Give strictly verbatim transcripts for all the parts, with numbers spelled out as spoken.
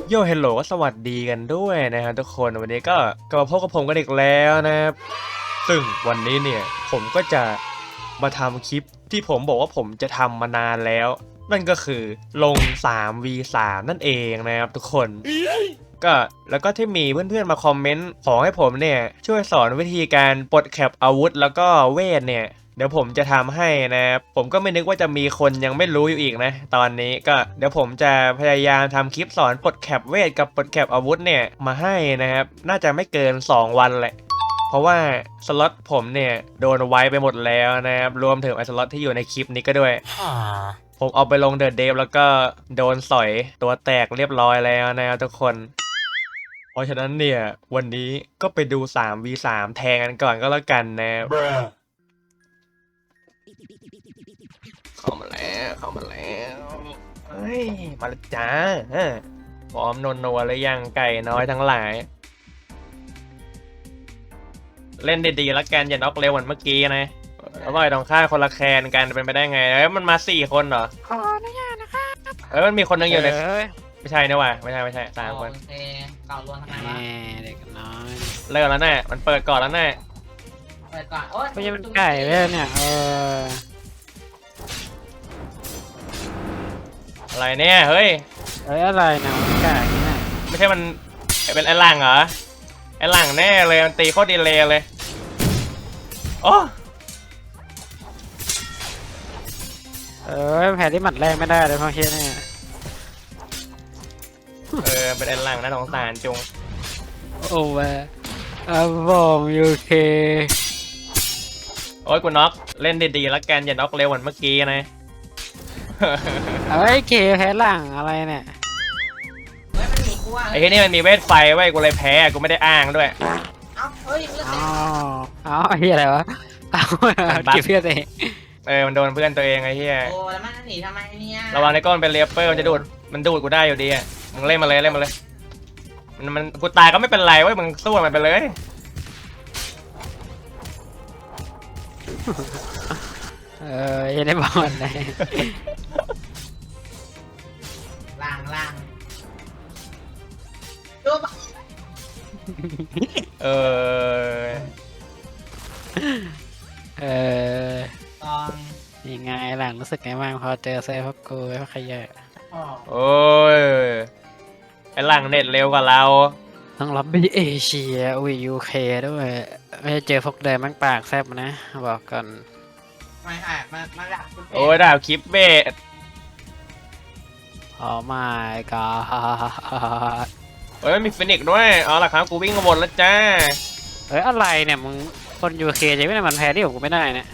โยเฮลโลก็สวัสดีกันด้วยนะครับทุกคนวันนี้ก็กลับมาพบกับผมกันอีกแล้วนะครับซึ่งวันนี้เนี่ยผมก็จะมาทำคลิปที่ผมบอกว่าผมจะทำมานานแล้วนั่นก็คือลง ทรี วี ทรี นั่นเองนะครับทุกคนก็แล้วก็ที่มีเพื่อนๆมาคอมเมนต์ขอให้ผมเนี่ยช่วยสอนวิธีการปลดแคปอาวุธแล้วก็เวทเนี่ยเดี๋ยวผมจะทำให้นะครับผมก็ไม่นึกว่าจะมีคนยังไม่รู้อยู่อีกนะตอนนี้ก็เดี๋ยวผมจะพยายามทำคลิปสอนปลดแคปเวทกับปลดแคปอาวุธเนี่ยมาให้นะครับน่าจะไม่เกินสองวันแหละเพราะว่าสล็อตผมเนี่ยโดนไว้ไปหมดแล้วนะครับรวมถึงไอ้สล็อตที่อยู่ในคลิปนี้ก็ด้วยผมเอาไปลงเดอะเดฟแล้วก็โดนสอยตัวแตกเรียบร้อยแล้วนะครับทุกคนเพราะฉะนั้นเนี่ยวันนี้ก็ไปดู ทรี วี ทรี แทงกันก่อนก็แล้วกันนะเข้ามาแล้วเข้ามาแล้วเฮ้ยมาแล้วจ้าพร้อมนนนัวหรือยังไก่น้อยทั้งหลายเล่นดีๆแล้วกันอย่าน็อกเร็วเหมือนเมื่อกี้นะอร่อยต้องฆ่าคนละแคนกันเป็นไปได้ไงเอ้ยมันมาสี่คนเหรอขออนุญาตนะคะเอ้ยมันมีคนนึงอยู่ในเอ้ยไม่ใช่นะวะไม่ใช่ไม่ใช่สามคนโอเคเก่ารวมทำไมแหวะมเด็กน้อยเลิกแล้วแน่มันเปิดก่อนแล้วแน่เปิดก่อนโอ้ยไม่ใช่เป็นไก่เลยเนี่ยเอออะไรเนี่ยเฮ้ยเอ้ยอะไรนะมันไก่เนี่ยไม่ใช่มันเป็นไอ้หลังเหรอไอ้หลังแน่เลยมันตีโคตรดีเลยเลยโอ้เอ้ยแผลที่หมัดแรกไม่ได้เลยเพราะเฮียเนี่ยเออเป็นไอ้หลังนะสงสารจุงโอ้แวอาบองยูเคโอ้ยกูน็อกเล่นดีๆแล้วกันอย่าน็อกเร็วเหมือนเมื่อกี้นะเอ้ยเคแพ้หลังอะไรเนี่ยเฮ้ยมันหนีกูอ่ะไอ้ที่นี่มันมีเวทไฟไว้กูเลยแพ้กูไม่ได้อ้างด้วยเอ้าเฮ้ยเลือดอ๋เต็อมอ๋อเฮียอะไรวะเอาเก็บเพื่อนเองเออมันโดนเพื่อนตัวเองไอ้เหี้ยโอ้แล้วมันหนีทำไมเนี่ยระวังในก้อนเป็นเลเปอร์มันจะดูดมันดูดกูได้อยู่ดีอ่ะมึงเล่นมาเลยเล่นมาเลยมันมันกูตายก็ไม่เป็นไรเว้ยมึงสู้มันไปเลยเออเฮียได้บอลเลยล่างล่างดูปะเออเออตอนยังไงหลังรู้สึกไงบ้างพอเจอเซฟพวกกูพวกขยะอ๋อโอ้ยไอ้หลังเน็ตเร็วกว่าเราต้องรับบีเอเชียอุ้ยยูเคด้วยไม่ได้เจอพวกเดิมแม่งปากแซบนะบอกก่อนไม่ใช่มามาดักโอ้ยดาบคลิปเบสโอ้ my god เฮ้ยมีฟินิกซ์ด้วยเอาล่ะครับกูวิ่งมาบนแล้วจ้าเอ้ยอะไรเนี่ยมึงคนยูเคจะไม่ได้มันแพ้ที่ผมกูไม่ได้เนี่ย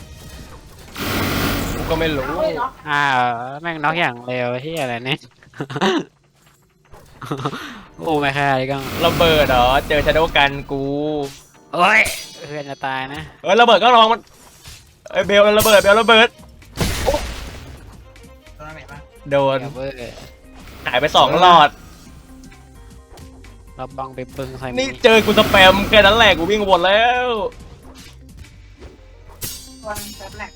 กูก็ไม่รู้เฮ้ยเนาะอ้าวแม่งน็อกอย่างเร็วที่อะไรเนี่ย โอ้ไม่ค่าเลยกังระเบิดเหรอเจอชาโดกันกูโอ้ยเพื่อนจะตายนะเอ้ยระเบิดก็ลองมันเอ้ยเบลระเบิดเบลระเบิดตรงไหนบ้างโดนเดี๋ยวเว้ยหายไปสองหลอดเราบังไปปึงใส่นี่เจอกูสแปมแค่นั้นแหละกูวิ่งมาบนแล้วตัวนึงเซิร์ฟแหลก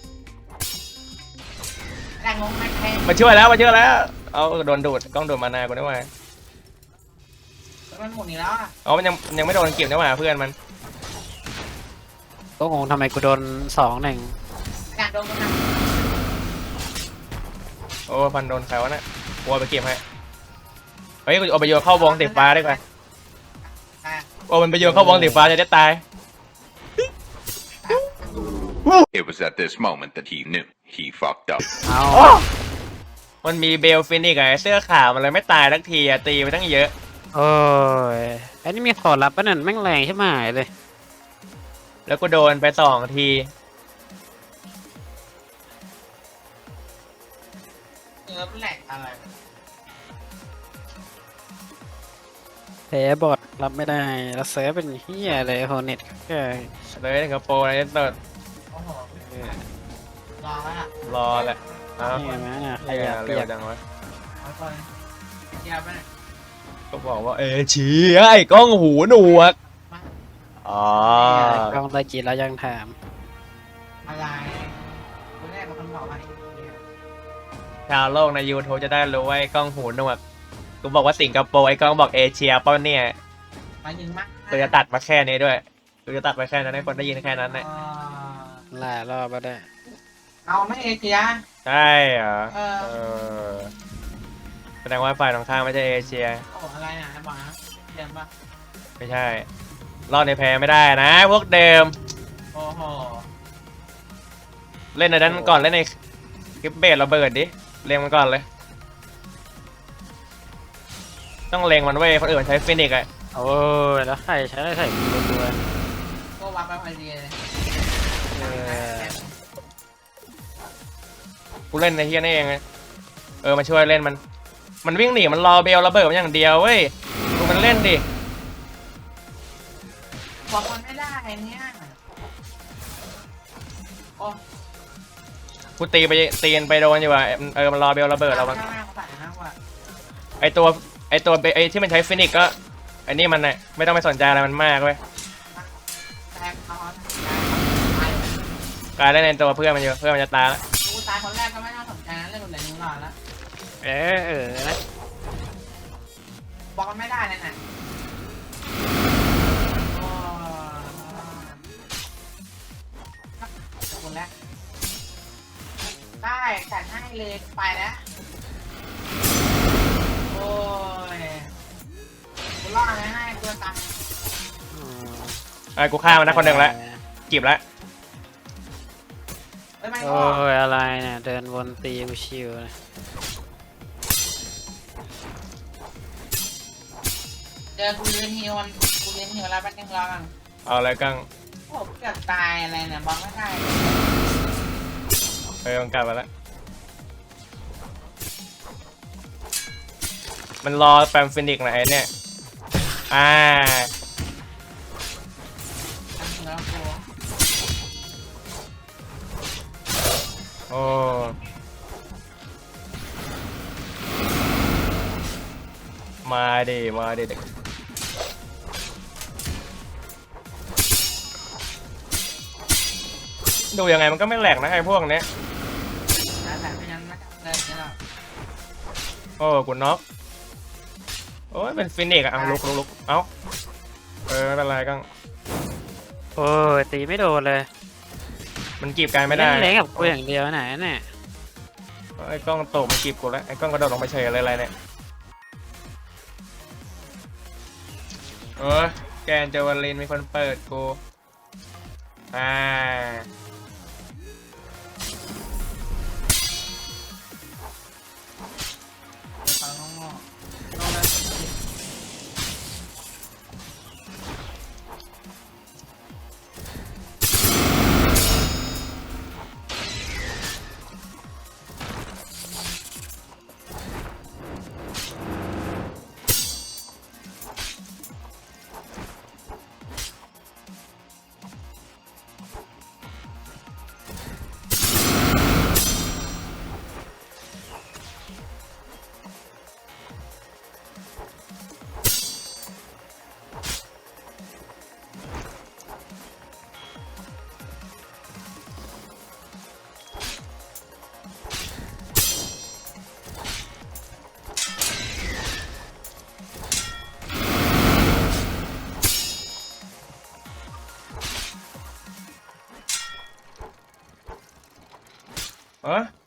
แหลกงงไหมแทงมาช่วยแล้วมาช่วยแล้วเอาโดนดูดกล้องดูดมานากูได้ไหมมันหมุนอีกแล้วอ่ะอ๋อมันยังยังไม่โดนเก็บได้ไหมเพื่อนมันก็งงทำไมกูโดนสองหนึ่งการโดนกำลังโอ้พันโดนใครวะน่ะกูเอาไปเก็บให้เฮ้ยกูเอาไปโยนเข้าวงสีฟ้าได้ป่ะอ่ะโอ้มันไปโยนเข้าวงสีฟ้าจะได้ตาย It was at this moment that he knew he fucked up. เอามันมีเบลฟินิกซ์ไงเสื้อขาวมันเลยไม่ตายทักทีอะตีไปตั้งเยอะโอ้ยอันนี้มีขอรับปะนั่นแม่งแรงใช่ไหมเลยแล้วก็โดนไปสองทีเซิร์ฟแหลกอะไรแพ้บอดรับไม่ได้แล้วเซิร์ฟเป็นเฮียเลยโฮเน็ตก็เลยสิงคโปร์อะไรเติร์ดโอ้โหรอแล้วอ่ะรอแหละอ้าวนี่ไงนะขนี่ไงยับเปีเร็วยกจังวะเอาคนเกียร์ไปไหนก็บอกว่าเอชี้ไอ้กล้องหูหนวกอ๋อกล้องตะกี้แล้วยังถามอะไรคุณแรกมันบอกว่าไอ้เหี้ยชาวโลกใน YouTube จะได้รู้ว่าไอ้กล้องหูหนวกกูบอกว่าสิงคโปร์ไอ้กล้องบอกเอเชียเป้าเนี่ยหมายถึงมากกูจะตัดมาแค่นี้ด้วยกูจะตัดไปแค่นั้นให้คนได้ยินแค่นั้นแหละอ่าหลายรอบแล้วได้เอาไม่เอเชียใช่เหรอเออเออแสดงว่าฝ่ายตรงข้ามไม่ใช่เอเชียโอ้อะไรนะบอกนะเดิมปะไม่ใช่ รอบในแพ้ไม่ได้นะ พวกเดิมโอ้โหเล่นในนั้นก่อนเล่นในคลิปเบสระเบิดดิเล็งมันก่อนเลย ต้องเล็งมันไว้ยคนอื่นมันใช้ฟินิกส์อะโอ้ยแล้วใครใช้ได้ใส่ตัวก็วับไปพอดีเลยเออกูเล่นในเฮียนี่เองไงเออมาช่วยเล่นมัน มันวิ่งหนีมันรอเบลระเบิดมันอย่างเดียวเว้ยดูมันเล่นดิบอกมันไม่ได้เนี่ยโอ้กูตีไปตีนไปโดนอยู่ว่ะเออมันรอเบลระเบิดเรามันข้างหน้าเขาใส่มากกว่าไอตัวไอตัวไอที่มันใช้ฟินิกส์ก็ไอนี่มันน่ะไม่ต้องไปสนใจอะไรมันมากเว้ยแต่เขากลายเล่นในตัวเพื่อนมันอยู่เพื่อนมันจะตายแล้วกูตายคนแรกก็ไม่น่าสนใจนะเรื่องเหลือนิ้วหลอดแล้วเออเออนะบอกมันไม่ได้เลยน่ะโอ้คนแรกได้จัดให้เลยไปแล้วโอ้ยกูรอดไม่ให้กูจะตายอืมไอ้กูฆ่ามันนะคนหนึ่งแล้วจีบแล้วเอ้ยไม่โอ้ก็ยอะไรเนี่ยเดินวนตีกูชิวเลยเจอกูยืนฮิวมันกูยืนฮิวแล้วแป๊บนึงรอกันเอาอะไรกังโอ้เกือบตายอะไรเนี่ยบอกไม่ได้เออมันกลับมาแล้วมันรอแปมฟินิกส์นะไอ้เนี่ยอ่าทำถึงแล้วกูโอ้มาดิมาดิเด็กดูยังไงมันก็ไม่แหลกนะไอ้พวกเนี้ยแล้วแต่ไม่งั้นไม่เดินนี่หรอกโอ้กูน็อกโอ้ยเป็นฟินิกส์อะเอาลุกลุกลุกเอ้าเออไม่เป็นไรกังโอ้ยตีไม่โดนเลยมันกีบกันไม่ได้เล่นเล่นกับกูอย่างเดียวไหนเนี่ยไอ้กล้องตกมันกีบกูแล้วไอ้กล้องกระโดดลงไปเฉยอะไรอะไรเนี่ยเออแกนเจวลินมีคนเปิดกูอ่าเขางงๆลงเลยเออ